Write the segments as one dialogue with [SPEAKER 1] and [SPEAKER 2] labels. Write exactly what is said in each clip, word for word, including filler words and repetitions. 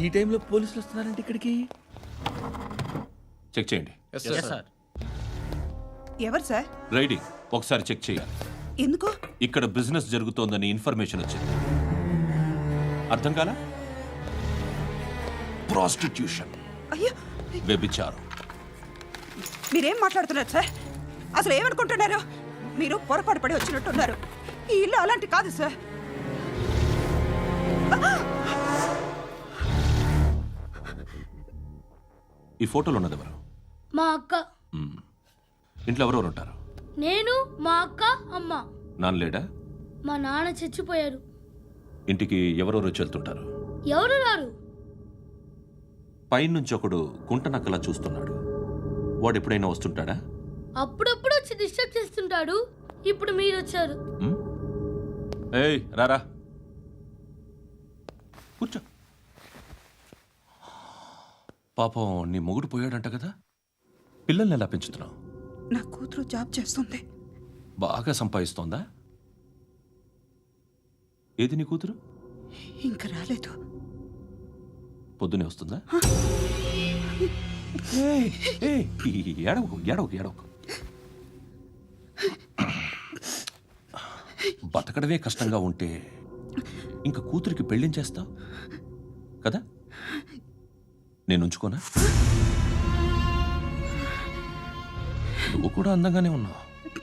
[SPEAKER 1] ఈ టైంలో పోలీసులు వస్తున్నారంటే ఇక్కడికి.
[SPEAKER 2] చెక్ చేయండి.
[SPEAKER 3] ఎవరు సార్?
[SPEAKER 2] రైడింగ్ ఒకసారి చెక్ చేయాలి.
[SPEAKER 3] ఎందుకు?
[SPEAKER 2] ఇక్కడ బిజినెస్ జరుగుతోందని ఇన్ఫర్మేషన్ వచ్చింది. అర్థం కాలా? ప్రాస్టిట్యూషన్,
[SPEAKER 3] అయ్యో
[SPEAKER 2] వ్యభిచారం.
[SPEAKER 3] మీరేం మాట్లాడుతున్నారు సార్? అసలు ఏమనుకుంటున్నారు? మీరు పొరపాటు పడి వచ్చినట్టున్నారు. ఈ ఇల్లు అలాంటి కాదు సార్.
[SPEAKER 2] ఈ ఫోటోలో ఉన్నది ఎవరు?
[SPEAKER 4] మా అక్క.
[SPEAKER 2] మ్మ్. ఇంట్లో ఎవరెవరు ఉంటారు?
[SPEAKER 4] నేను, మా అక్క, అమ్మ.
[SPEAKER 2] నాన్న లేడా?
[SPEAKER 4] మా నాన్న చచ్చిపోయారు.
[SPEAKER 2] ఇంటికి ఎవరెవరు వచ్చి వెళ్తుంటారు?
[SPEAKER 4] ఎవరు రారు.
[SPEAKER 2] పైనుంచి ఒకడు గుంట నక్కలా చూస్తున్నాడు. వాడు ఎప్పుడైనా వస్తుంటాడా?
[SPEAKER 4] అప్పుడప్పుడు వచ్చి డిస్టర్బ్ చేస్తుంటాడు. ఇప్పుడు మీరు వచ్చారు.
[SPEAKER 2] మ్మ్? ఏయ్ రారా, కూర్చో. పాపం నీ మొగుడు పోయాడంట కదా, పిల్లల్ని ఎలా పెంచుతున్నావు?
[SPEAKER 3] నా కూతురు జాబ్ చేస్తుంది.
[SPEAKER 2] బాగా సంపాదిస్తోందా? ఏది నీ కూతురు?
[SPEAKER 3] ఇంకా రాలేదు.
[SPEAKER 2] పొద్దునే వస్తుందా? ఏయ్, ఏయ్, ఏడవకు ఏడవకు ఏడవకు. బతకడమే కష్టంగా ఉంటే ఇంకా కూతురికి పెళ్ళించేస్తావు కదా? నేను ఉంచుకోనా? నువ్వు కూడా అందంగానే ఉన్నావు.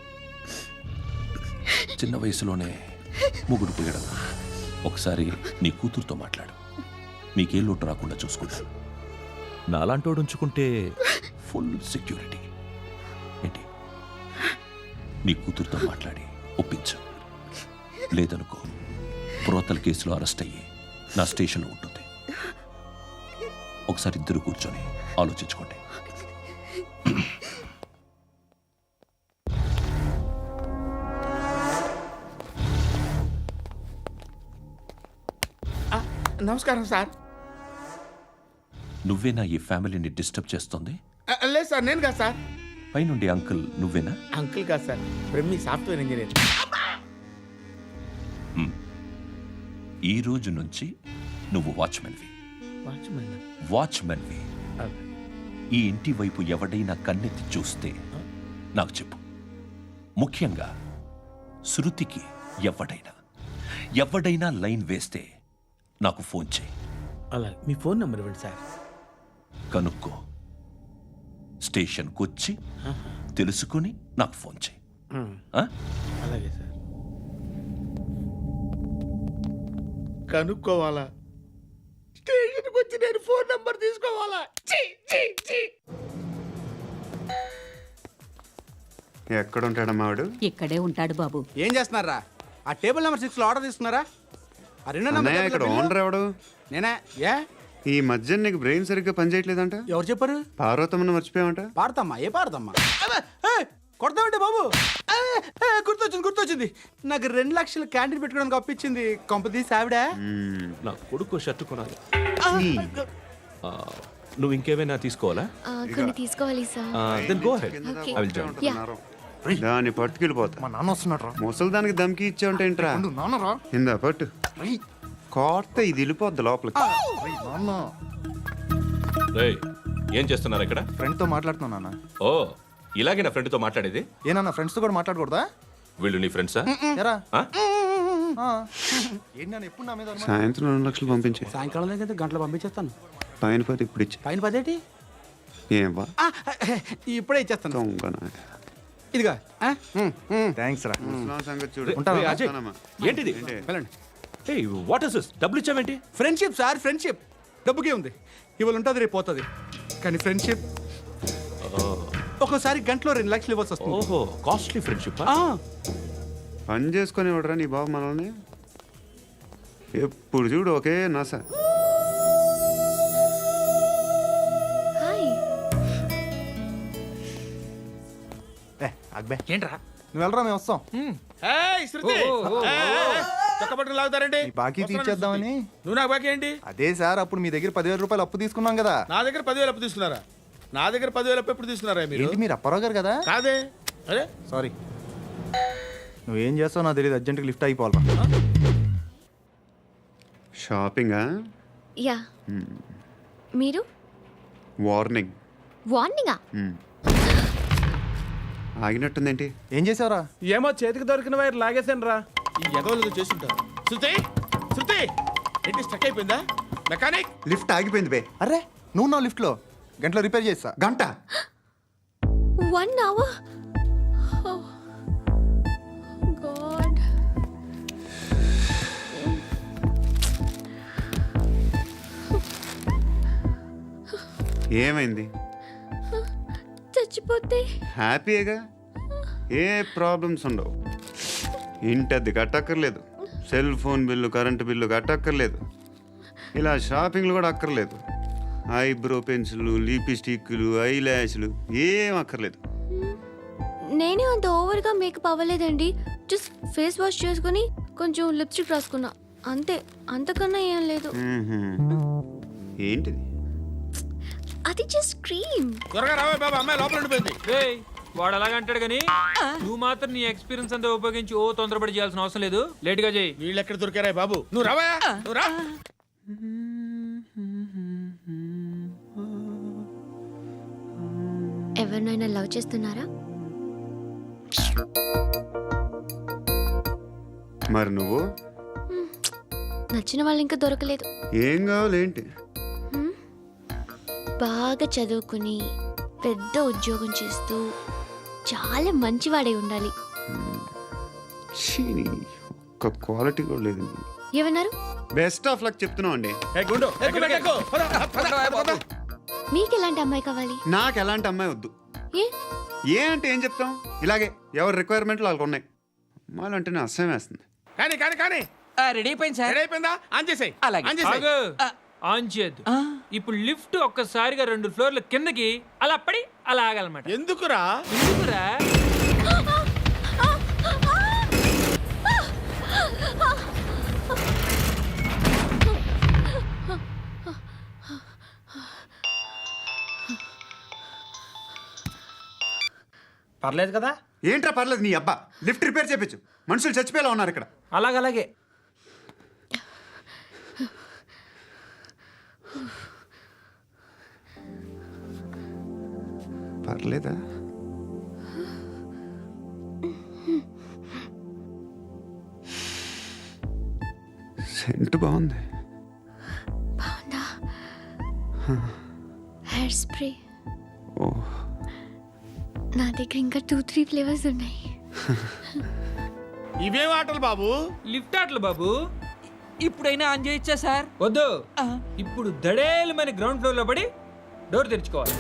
[SPEAKER 2] చిన్న వయసులోనే ముగుడు పోయడం. ఒకసారి నీ కూతురుతో మాట్లాడు. నీకే లోటు రాకుండా చూసుకుంటా. నాలాంటోడు ఉంచుకుంటే ఫుల్ సెక్యూరిటీ. ఏంటి? నీ కూతురుతో మాట్లాడి ఒప్పించు. లేదనుకో, ప్రోతల కేసులో అరెస్ట్ అయ్యి నా స్టేషన్లో ఉంటుంది. ఒకసారి ఇద్దరు కూర్చొని ఆలోచించుకోండి.
[SPEAKER 1] నమస్కారం సార్.
[SPEAKER 2] నువ్వేనా ఈ ఫ్యామిలీని డిస్టర్బ్ చేస్తుంది?
[SPEAKER 1] ఆ, లేదు సార్, నేను కాదు సార్.
[SPEAKER 2] పైనుండి అంకుల్ నువ్వేనా?
[SPEAKER 1] అంకుల్ కాదు సార్, బ్రహ్మి సాఫ్ట్వేర్ ఇంజనీర్.
[SPEAKER 2] ఈ రోజు నుంచి నువ్వు వాచ్మెన్వి.
[SPEAKER 1] వాచ్మెన్?
[SPEAKER 2] వాచ్మెన్వి. ఈ ఇంటి వైపు ఎవడైనా కన్నెత్తి చూస్తే నాకు చెప్పు. ముఖ్యంగా శృతికి ఎవడైనా ఎవడైనా లైన్ వేస్తే నాకు ఫోన్ చేయి.
[SPEAKER 1] అలా మీ ఫోన్ నెంబర్ ఇవ్వండి సార్.
[SPEAKER 2] కనుక్కో, స్టేషన్కి వచ్చి తెలుసుకుని నాకు ఫోన్ చేయి. ఆ?
[SPEAKER 1] అలాగే సార్. కనుక్కోవాలా? స్టేషన్కి వచ్చి నేను ఫోన్ నెంబర్ తీసుకోవాలా? ఛీ, ఛీ, ఛీ.
[SPEAKER 5] ఎక్కడ ఉంటాడమ్మా వాడు?
[SPEAKER 6] ఇక్కడే ఉంటాడు బాబు.
[SPEAKER 7] ఏం చేస్తున్నారా? ఆ టేబుల్ నెంబర్ సిక్స్ లో ఆర్డర్ తీసుకున్నారా? ఆ రెండో నెంబర్
[SPEAKER 5] అన్నయ్య, ఇక్కడ ఓనర్ ఎవడు?
[SPEAKER 7] నేనే. ఏ
[SPEAKER 5] ఈ మధ్య నీకు బ్రెయిన్ సరిగ్గా పనిచేయట్లేదంట.
[SPEAKER 7] ఎవరు చెప్పారు?
[SPEAKER 5] పార్వతమ్మను మర్చిపోయామంట.
[SPEAKER 7] పాడతామ్మా? ఏ పాడతామ్మా? కొడతామంటే బాబు. అబ్బే, ఏ, గుర్తొచ్చింది గుర్తొచ్చింది నాకు రెండు లక్షలు క్యాంటీన్ పెట్టుకోవడానికి అప్పించింది కొంపతీసి ఆవిడ.
[SPEAKER 2] నా కొడుకు షర్టు కొనాలి. ఆ, నువ్వు ఇంకేమైనా తీసుకోవాలా?
[SPEAKER 8] కొన్ని తీసుకోవాలి sir.
[SPEAKER 2] Then go ahead.
[SPEAKER 8] Okay.
[SPEAKER 2] I will join.
[SPEAKER 5] దాన్ని పట్టుకెళ్ళిపోతా.
[SPEAKER 9] మా నాన్న వస్తున్నాడు.
[SPEAKER 5] ముసలి దానికి దమ్కి ఇచ్చావుంటేంట్రా?
[SPEAKER 9] నాన్నరా
[SPEAKER 5] ఇందా పట్టు. కోర్త ఇది వెళ్ళిపోద్ది లోపలికి.
[SPEAKER 9] నాన్న
[SPEAKER 2] రేయ్, ఏం చేస్తున్నారు ఇక్కడ?
[SPEAKER 9] ఫ్రెండ్ తో మాట్లాడుతున్నా నాన్న.
[SPEAKER 2] ఓ, ఇలాగే నా ఫ్రెండ్తో మాట్లాడేది?
[SPEAKER 9] ఏనన్నా ఫ్రెండ్స్ తో కూడా మాట్లాడకూడదా?
[SPEAKER 2] వీళ్ళు నీ ఫ్రెండ్సా?
[SPEAKER 9] ఎరా
[SPEAKER 2] ఆ?
[SPEAKER 9] ఏంటి నాన్న ఎప్పుడు నా మీద అనుమానం?
[SPEAKER 5] సాయంత్రం రెండు లక్షలు పంపించే.
[SPEAKER 7] సాయంకాలం దగ్గర గంటలు పంపించేస్తాను.
[SPEAKER 5] పైన పది ఇప్పుడు ఇచ్చే.
[SPEAKER 7] పైన పదేటి?
[SPEAKER 5] ఏం వా
[SPEAKER 7] ఆ, ఇప్పుడే ఇచ్చేస్తాను.
[SPEAKER 5] దొంగనా.
[SPEAKER 7] ఇదిగా
[SPEAKER 9] థ్యాంక్స్ రా.
[SPEAKER 5] ముసలాం సంగతి చూడు.
[SPEAKER 9] ఉంటావా?
[SPEAKER 2] రేయ్, అజయ్,
[SPEAKER 5] వస్తానమ్మా.
[SPEAKER 2] ఏంటిది?
[SPEAKER 7] వెళ్ళండి.
[SPEAKER 2] ఏయ్, వాట్ ఇస్ దిస్? డబ్బులు ఇచ్చావేంటి?
[SPEAKER 7] Friendship sir, friendship. డబ్బుకే ఉంది. ఇవాళ ఉంటుంది, రేపు పోతుంది. కానీ ఫ్రెండ్షిప్ ఒక్కోసారి గంటలో రెండు లక్షలు ఇవ్వాల్సి వస్తుంది.
[SPEAKER 2] ఓహో, కాస్ట్లీ ఫ్రెండ్షిప్.
[SPEAKER 7] ఆ,
[SPEAKER 5] పని చేసుకొని ఇవ్వడరా నీ బాబు మనల్ని? ఎప్పుడు చూడు ఒకే నాస.
[SPEAKER 8] హాయ్.
[SPEAKER 9] ఏ అక్బే
[SPEAKER 1] ఏంట్రా?
[SPEAKER 9] నువ్వు వెళ్ళరా, మేము వస్తాం.
[SPEAKER 1] ఏయ్, శృతి! ఏయ్, చొక్కా పట్టుకుని లాగుతారండి?
[SPEAKER 9] ఈ బాకీ తీర్చేద్దామని.
[SPEAKER 1] నువ్వు నాకు బాకీ ఏంటి?
[SPEAKER 9] అదే సార్, అప్పుడు మీ దగ్గర పదివేల రూపాయలు అప్పు తీసుకున్నాం కదా.
[SPEAKER 1] నా దగ్గర పదివేలు అప్పు తీసుకున్నారా? నా దగ్గర పదివేలు అప్పు ఎప్పుడు తీసుకున్నారా మీరు?
[SPEAKER 9] ఏంటి మీరు అప్పారావు గారు కదా?
[SPEAKER 1] కాదే. అరే
[SPEAKER 9] సారీ. నువ్వేం చేస్తావు నాకు తెలియదు, అర్జెంట్గా లిఫ్ట్ అయిపోవాలరా.
[SPEAKER 5] షాపింగా?
[SPEAKER 8] యా మీరు
[SPEAKER 5] వార్నింగ్.
[SPEAKER 8] వార్నింగా?
[SPEAKER 5] ఆగినట్టుందేంటి?
[SPEAKER 9] ఏం చేసావురా?
[SPEAKER 1] ఏమో చేతికి దొరికిన వైర్ లాగేసాను రా. ఈ ఎగవలు చేస్తుంటారు. శృతి శృతి ఏంటి స్టక్ అయిపోయిందా? మెకానిక్
[SPEAKER 5] లిఫ్ట్ ఆగిపోయింది బే.
[SPEAKER 9] అరే నువ్వు నా లిఫ్ట్లో గంటలో రిపేర్ చేస్తా.
[SPEAKER 5] గంట
[SPEAKER 8] వన్ అవర్? గాడ్.
[SPEAKER 5] ఏమైంది?
[SPEAKER 8] చచ్చిపోతే?
[SPEAKER 5] హ్యాపీగా, ఏ ప్రాబ్లమ్స్ ఉండవు. ఇంటి అద్దె కట్టక్కర్లేదు, cell phone bill current bill కట్టక్కర్లేదు, ఇలా షాపింగ్లు కూడా అక్కర్లేదు. ఐబ్రో పెన్సిల్లు, లిప్స్టిక్లు, ఐ ల్యాష్లు ఏం అక్కర్లేదు.
[SPEAKER 8] నేనే అంత ఓవర్గా మేకప్ అవ్వలేదండి. జస్ట్ ఫేస్ వాష్ చేసుకుని కొంచెం లిప్స్టిక్ రాసుకున్నా అంతే. అంతకన్నా ఏం లేదు.
[SPEAKER 5] మ్మ్హ్మ్. ఏంటిది?
[SPEAKER 8] అది జస్ట్ క్రీమ్.
[SPEAKER 1] త్వరగా రావే బాబా, అమ్మాయి లోపల ఉండిపోయింది.
[SPEAKER 6] రేయ్, వాడు అలాగంటాడు కానీ నువ్వు మాత్రం నీ ఎక్స్పీరియన్స్ అంతా ఉపయోగించి ఓ తొందరపడి చేయాల్సిన అవసరం లేదు. లేట్ గా చేయి.
[SPEAKER 1] వీళ్ళు ఎక్కడ దొరికారా బాబు? నువ్వు రావా, నువ్వు రా.
[SPEAKER 8] ఎవరినైనా లవ్ చేస్తున్నారా?
[SPEAKER 5] మరి నువ్వు?
[SPEAKER 8] నచ్చిన వాళ్ళు ఇంకా దొరకలేదు.
[SPEAKER 5] ఏం కావాలి ఏంటి?
[SPEAKER 8] బాగా చదువుకుని పెద్ద ఉద్యోగం చేస్తూ చాలా మంచివాడై ఉండాలి.
[SPEAKER 5] ఛీ, నీ ఒక్క క్వాలిటీ కూడా లేదు.
[SPEAKER 8] ఏమన్నారు?
[SPEAKER 5] బెస్ట్ ఆఫ్ లక్ చెప్తున్నావు అండి.
[SPEAKER 1] ఏ గుండు, ఎక్కు, ఎక్కు, ఎక్కు. పద, పద, పద, పద.
[SPEAKER 8] మీకు ఎలాంటి అమ్మాయి కావాలి?
[SPEAKER 5] నాకు ఎలాంటి అమ్మాయి వద్దు.
[SPEAKER 8] ఏ?
[SPEAKER 5] ఏ అంటే ఏం చెప్తాం, ఇలాగే ఎవరి రిక్వైర్మెంట్లు వాళ్ళకు ఉన్నాయి. అమ్మాయిలు అంటేనే అసహ్యం వేస్తుంది.
[SPEAKER 1] కానీ కానీ కానీ
[SPEAKER 6] రెడీ అయిపోయింది సార్.
[SPEAKER 1] రెడీ అయిపోయిందా? ఆన్ చేసేయ్.
[SPEAKER 6] అలాగే.
[SPEAKER 1] ఆన్ చేసేయ్.
[SPEAKER 6] ఆగు. ఆన్ చేయద్దు. ఇప్పుడు లిఫ్ట్ ఒక్కసారిగా రెండు ఫ్లోర్ల కిందకి అలా పడి అలా ఆగాలన్నమాట.
[SPEAKER 1] ఎందుకురా?
[SPEAKER 6] ఎందుకురా?
[SPEAKER 7] పర్లేదు కదా?
[SPEAKER 5] ఏంట్రా పర్లేదు నీ అబ్బా. లిఫ్ట్ రిపేర్ చేయించు, మనుషులు చచ్చిపోయేలా ఉన్నారు ఇక్కడ.
[SPEAKER 6] అలాగలాగే.
[SPEAKER 5] పర్లేదా? సెంట్ బాగుంది.
[SPEAKER 8] బాగుందా? Hair spray.
[SPEAKER 5] ఓ,
[SPEAKER 8] నా దగ్గర ఇంకా టూ త్రీ ఫ్లేవర్స్ ఉన్నాయి.
[SPEAKER 1] ఇవేం ఆటలు బాబు?
[SPEAKER 6] లిఫ్ట్ ఆటలు బాబు. ఇప్పుడైనా ఆన్ చేయొచ్చా సార్? వద్దు. ఇప్పుడు దడేలు మన గ్రౌండ్ ఫ్లోర్ లో పడి డోర్ తెరుచుకోవాలి.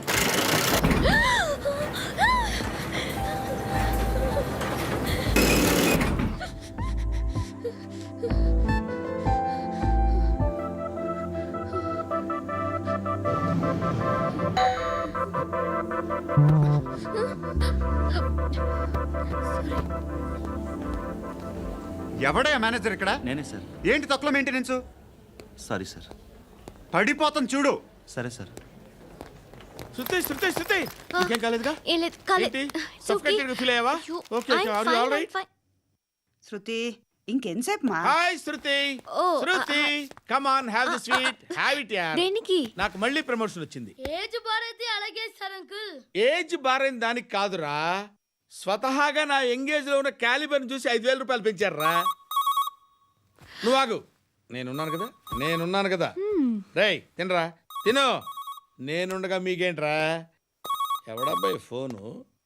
[SPEAKER 5] ఎవడయ్యా మేనేజర్ ఇక్కడ?
[SPEAKER 9] నేనే సార్.
[SPEAKER 5] ఏంటి తక్కువ మెయింటెనెన్స్?
[SPEAKER 9] Sorry sir.
[SPEAKER 5] పడిపోతాం చూడు.
[SPEAKER 9] సరే సార్.
[SPEAKER 1] శృతి శృతి శృతి ఇంకేం కాలేదుగా?
[SPEAKER 8] ఏం లేదు, కాలేదు.
[SPEAKER 1] ఏంటి?
[SPEAKER 8] It's okay.
[SPEAKER 1] Suffocated గా feel అయ్యావా?
[SPEAKER 8] అయ్యో,
[SPEAKER 1] Okay, okay.
[SPEAKER 8] I'm
[SPEAKER 1] Are you
[SPEAKER 8] fine,
[SPEAKER 1] all
[SPEAKER 8] I'm
[SPEAKER 1] right?
[SPEAKER 8] fine.
[SPEAKER 3] Shruti ఇంకెంతసేపు మా?
[SPEAKER 1] Hi Shruti.
[SPEAKER 8] Oh,
[SPEAKER 1] Shruti come on, have the sweet, have it యార్.
[SPEAKER 8] దేనికి?
[SPEAKER 1] నాకు మళ్ళీ ప్రమోషన్ వచ్చింది.
[SPEAKER 4] ఏజ్ బారైతే అలాగే సార్ అంకుల్.
[SPEAKER 1] ఏజ్ బారైన దానికి కాదురా, స్వతహాగా నా ఎంగేజ్ లో ఉన్న క్యాలిబర్ చూసి ఐదు వేల రూపాయలు పెంచారా. నువ్వు ఆగు, నేనున్నాను కదా, నేనున్నాను కదా. రేయ్ తినరా, తిను. నేనుండగా మీకేంట్రా? ఎవడబ్బాయి ఫోను?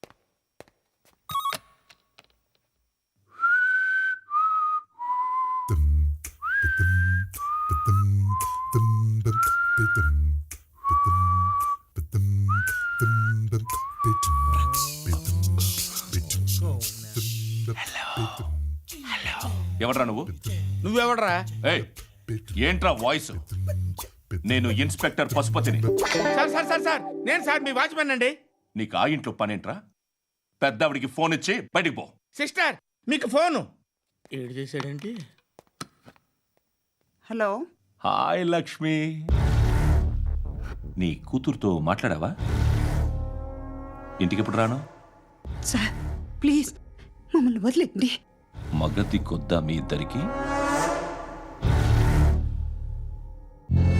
[SPEAKER 2] ఎవడ్రా నువ్వు?
[SPEAKER 1] నువ్వెవడరా?
[SPEAKER 2] ఏయ్, ఏంట్రా వాయిస్? నేను ఇన్స్పెక్టర్ పశుపతిని.
[SPEAKER 1] సార్ సార్ సార్ సార్ నేను సార్ మీ వాచ్మెన్ అండి.
[SPEAKER 2] నీకు ఆ ఇంట్లో పనేంట్రా? పెద్దవిడికి ఫోన్ ఇచ్చి బయటికి పో.
[SPEAKER 1] సిస్టర్ మీకు ఫోను. ఏడు చేశాడేంటి?
[SPEAKER 3] హలో.
[SPEAKER 2] హాయ్ లక్ష్మి, నీ కూతురుతో మాట్లాడావా? ఇంటికి ఎప్పుడు రాను?
[SPEAKER 3] సార్ ప్లీజ్ మమ్మల్ని వదిలేండి.
[SPEAKER 2] మగతి కొద్దా మీ ఇద్దరికి?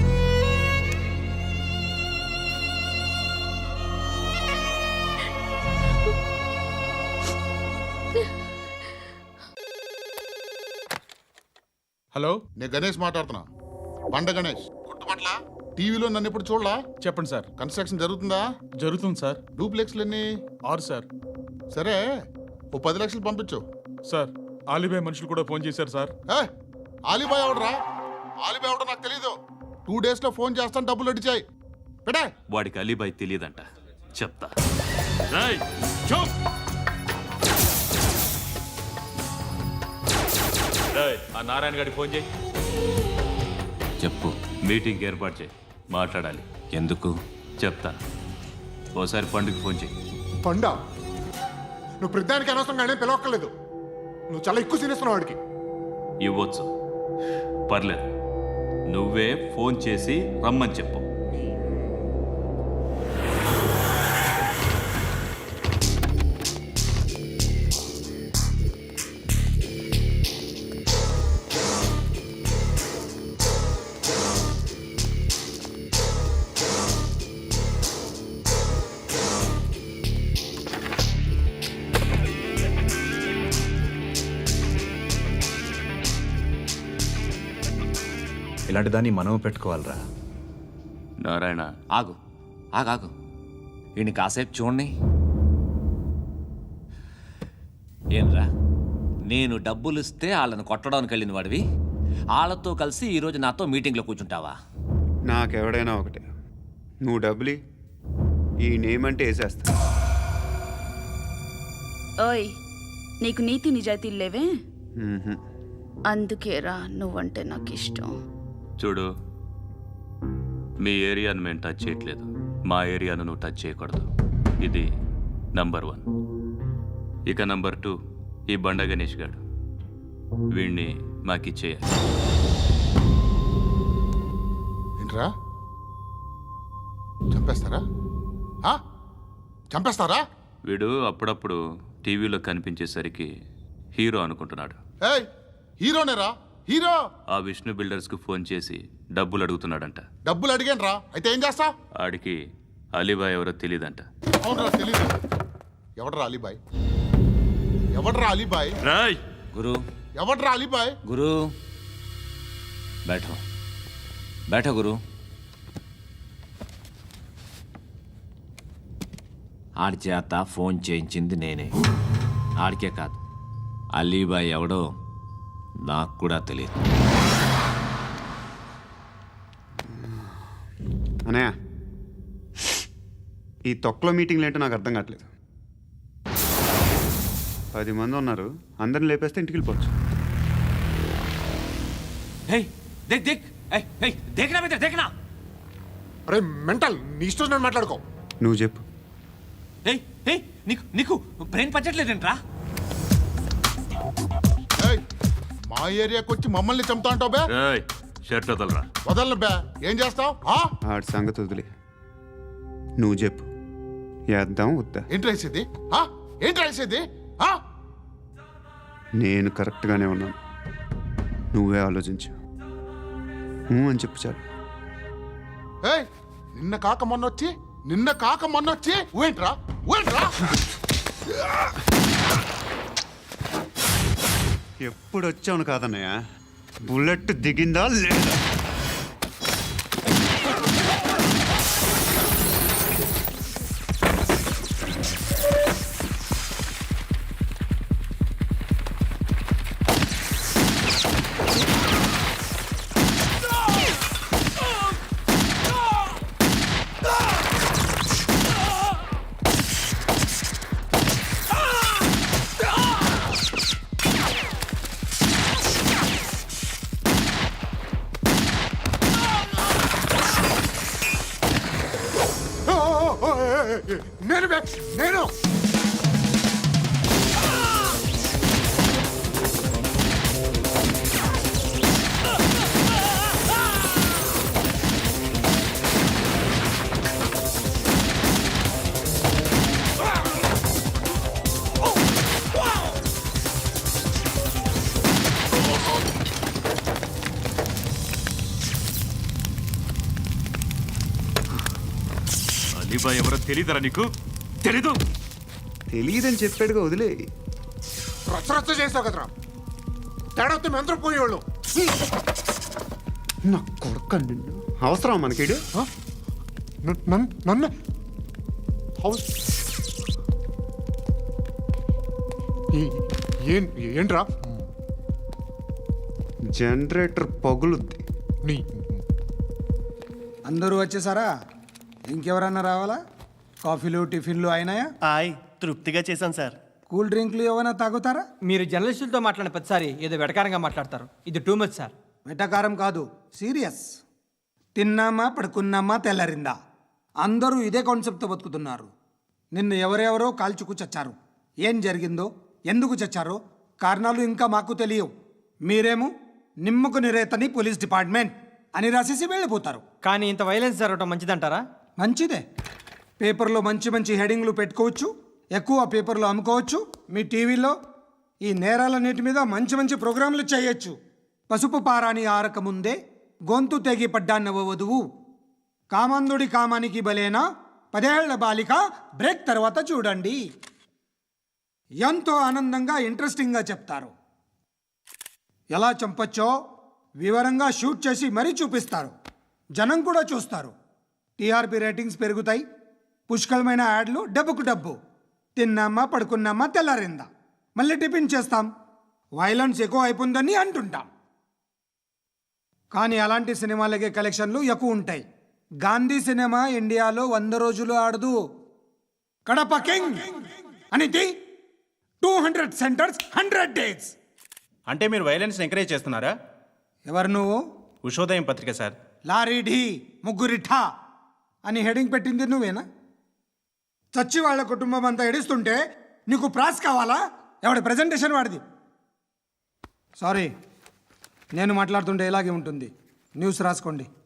[SPEAKER 10] హలో
[SPEAKER 11] నేను గణేష్ మాట్లాడుతున్నా. బండ గణేష్ గుర్తుపట్ల టీవీలో నన్ను ఇప్పుడు చూడలా?
[SPEAKER 10] చెప్పండి సార్.
[SPEAKER 11] కన్స్ట్రక్షన్ జరుగుతుందా?
[SPEAKER 10] జరుగుతుంది సార్.
[SPEAKER 11] డూప్లెక్స్లు ఎన్ని?
[SPEAKER 10] ఆరు సార్.
[SPEAKER 11] సరే ఓ పది లక్షలు పంపించు.
[SPEAKER 10] సార్ ఆలిబాయ్ మనుషులు కూడా ఫోన్ చేశారు సార్.
[SPEAKER 11] ఏ ఆలిబాయ్ ఎవడరా? ఆలిబాయ్ ఎవడో నాకు తెలీదు. టూ డేస్ లో ఫోన్ చేస్తాను, డబ్బులు అడిచాయి పెడే.
[SPEAKER 2] వాడికి అలీబాయ్ తెలియదంట, చెప్తా. రేయ్, చూప్. రేయ్, ఆ నారాయణ గారికి ఫోన్ చేయి. చెప్పు. మీటింగ్ ఏర్పాటు చేయి, మాట్లాడాలి. ఎందుకు చెప్తా. ఓసారి పండుగ ఫోన్ చేయి.
[SPEAKER 11] పండ నువ్వు ప్రతిదానికి అనవసరంగానే పిలవక్కర్లేదు. నువ్వు చాలా ఎక్కువ సీనిస్తున్నావు వాడికి.
[SPEAKER 2] ఇవ్వచ్చు, పర్లేదు. నువ్వే ఫోన్ చేసి రమ్మని చెప్పు.
[SPEAKER 12] ఇలాంటి దాన్ని మనం పెట్టుకోవాలరా.
[SPEAKER 2] నారాయణ,
[SPEAKER 13] ఆగు ఆగాగు ఈయన కాసేపు చూడండి. ఏంరా, నేను డబ్బులు ఇస్తే వాళ్ళని కొట్టడానికి వెళ్ళిన వాడివి, వాళ్ళతో కలిసి ఈరోజు నాతో మీటింగ్లో కూర్చుంటావా?
[SPEAKER 5] నాకెవడైనా ఒకటే. నువ్వు డబ్బులి, ఈ నేమ్ అంటే వేసేస్తా.
[SPEAKER 3] ఓయ్, నీకు నీతి నిజాయితీలు లేవే,
[SPEAKER 5] మ్మ్హ.
[SPEAKER 3] అందుకేరా నువ్వంటే నాకు ఇష్టం.
[SPEAKER 2] చూడు, మీ ఏరియాను మేము టచ్ చేయట్లేదు, మా ఏరియాను నువ్వు టచ్ చేయకూడదు. ఇది నంబర్ వన్. ఇక నంబర్ టూ, ఈ బండ గణేష్ గాడు, వీణ్ణి మాకిచ్చేయాలి.
[SPEAKER 11] ఏంట్రా, చంపేస్తారా? ఆ? చంపేస్తారా?
[SPEAKER 2] వీడు అప్పుడప్పుడు టీవీలో కనిపించేసరికి హీరో అనుకుంటున్నాడు.
[SPEAKER 11] ఏయ్, హీరోనేరా, హీరో.
[SPEAKER 2] ఆ విష్ణు బిల్డర్స్కు ఫోన్ చేసి డబ్బులు అడుగుతున్నాడంట.
[SPEAKER 11] డబ్బులు అడిగాను రా, అయితే ఏం చేస్తా?
[SPEAKER 2] ఆడికి అలీబాయ్ ఎవరో తెలీదంట.
[SPEAKER 11] అవునరా, తెలీదు. ఎవడరా అలీబాయ్? ఎవడరా అలీబాయ్?
[SPEAKER 2] రాయ్
[SPEAKER 13] గురు,
[SPEAKER 11] ఎవడరా అలీబాయ్?
[SPEAKER 13] గురు బైఠో బైఠో గురు. ఆడి చేత ఫోన్ చేయించింది నేనే. ఆడికే కాదు, అలీబాయ్ ఎవడో నాకు కూడా తెలియదు.
[SPEAKER 5] అనయ్య, ఈ తొక్కలో మీటింగ్లు ఏంటో నాకు అర్థం కావట్లేదు. పది మంది ఉన్నారు, అందరిని లేపేస్తే ఇంటికి వెళ్ళిపోవచ్చు.
[SPEAKER 13] హే దేక్ దేక్ ఏయ్ ఏయ్ దేఖనా బేటా దేఖనా.
[SPEAKER 11] అరే మెంటల్, నీ ఇష్టం నేను మాట్లాడుకో.
[SPEAKER 5] నువ్వు చెప్పు.
[SPEAKER 13] ఏయ్ ఏయ్ నీకు నీకు బ్రెయిన్ పచ్చట్లేదంట్రా.
[SPEAKER 11] ఏయ్, మా ఏరియాకి వచ్చి మమ్మల్ని చంపుతా అంటావు బే?
[SPEAKER 2] రాయ్, షర్ట్ వదలరా.
[SPEAKER 11] వదలను బే. ఏం చేస్తావు?
[SPEAKER 5] ఆడి సంగతి వదిలే, నువ్వు చెప్పు. వేద్దాం వద్దా?
[SPEAKER 11] ఏంటి రాసేది? ఆ? ఏంటి రాసేది? ఆ?
[SPEAKER 5] నేను కరెక్ట్గానే ఉన్నాను, నువ్వే ఆలోచించు. ఊ అని చెప్పు చాలు.
[SPEAKER 11] ఏయ్, నిన్న కాక మొన్న వచ్చి నిన్న కాక మొన్న వచ్చి ఊయంట్రా ఊయంట్రా.
[SPEAKER 5] ఎప్పుడు వచ్చావును కాదన్నయ్య, బుల్లెట్ దిగిందా లేదా?
[SPEAKER 11] నేను బే, నేను.
[SPEAKER 2] అలీబాయ్ ఎవరో తెలీదరా నీకు? తెలీదు?
[SPEAKER 5] తెలియదని చెప్పాడుగా, వదిలే.
[SPEAKER 11] రచ్చ రచ్చ చేస్తావు కదరా. తేడా వస్తే మెంతరం పోయేవాళ్ళు.
[SPEAKER 5] నా కొడుకు నిన్ను అవసరం మనకిడు
[SPEAKER 9] నన్ను ఏంట్రా
[SPEAKER 5] జనరేటర్ పగులుద్ది.
[SPEAKER 9] నీ
[SPEAKER 7] అందరూ వచ్చేసారా? ఇంకెవరన్నా రావాలా? కాఫీలు టిఫిన్లు అయినాయా?
[SPEAKER 9] ఆయ్ తృప్తిగా చేశాను సార్.
[SPEAKER 7] కూల్ డ్రింక్లు ఏమైనా తాగుతారా?
[SPEAKER 6] మీరు జర్నలిస్టులతో మాట్లాడిన ప్రతిసారి ఏదో వెటకారంగా మాట్లాడతారు. ఇది టూ మచ్ సార్.
[SPEAKER 7] వెటకారం కాదు, సీరియస్. తిన్నామా పడుకున్నామా తెల్లరిందా, అందరూ ఇదే కాన్సెప్ట్తో బతుకుతున్నారు. నిన్ను ఎవరెవరో కాల్చుకు చచ్చారు. ఏం జరిగిందో, ఎందుకు చచ్చారో కారణాలు ఇంకా మాకు తెలియవు. మీరేమో నిమ్మకు నిరేతని పోలీస్ డిపార్ట్మెంట్ అని రాసేసి వెళ్ళిపోతారు.
[SPEAKER 6] కానీ ఇంత వైలెన్స్ జరగడం మంచిదంటారా?
[SPEAKER 7] మంచిదే. పేపర్లో మంచి మంచి హెడింగ్లు పెట్టుకోవచ్చు, ఎక్కువ పేపర్లు అమ్ముకోవచ్చు. మీ టీవీలో ఈ నేరాలన్నిటి మీద మంచి మంచి ప్రోగ్రాంలు చేయొచ్చు. పసుపు పారాని ఆరక ముందే గొంతు తెగి పడ్డాన్నవ వధువు, కామందుడి కామానికి బలేనా పదేళ్ల బాలిక బ్రేక్ తర్వాత చూడండి. ఎంతో ఆనందంగా ఇంట్రెస్టింగ్గా చెప్తారు. ఎలా చంపచ్చో వివరంగా షూట్ చేసి మరీ చూపిస్తారు. జనం కూడా చూస్తారు. టీఆర్పీ రేటింగ్స్ పెరుగుతాయి. పుష్కలమైన యాడ్లు, డబ్బుకు డబ్బు. తిన్నామా పడుకున్నామా తెల్లారిందా, మళ్ళీ టిఫిన్ చేస్తాం. వైలెన్స్ ఎక్కువ అయిపోయిందని అంటుంటాం. కానీ అలాంటి సినిమాలకే కలెక్షన్లు ఎక్కువ ఉంటాయి. గాంధీ సినిమా ఇండియాలో వంద రోజులు ఆడదు. కడప కింగ్ అనేది two hundred centres hundred days.
[SPEAKER 9] అంటే మీరు వైలెన్స్ ఎంకరేజ్ చేస్తున్నారా?
[SPEAKER 7] ఎవరు నువ్వు?
[SPEAKER 9] ఉషోదయం పత్రిక సార్.
[SPEAKER 7] లారీ ఢీ ముగ్గురిఠా అని హెడింగ్ పెట్టింది నువ్వేనా? చచ్చి వాళ్ళ కుటుంబం అంతా ఎడుస్తుంటే నీకు ప్రాస్ కావాలా? ఎవడి ప్రజెంటేషన్ వాడిది. సారీ, నేను మాట్లాడుతుంటే ఇలాగే ఉంటుంది. న్యూస్ రాసుకోండి.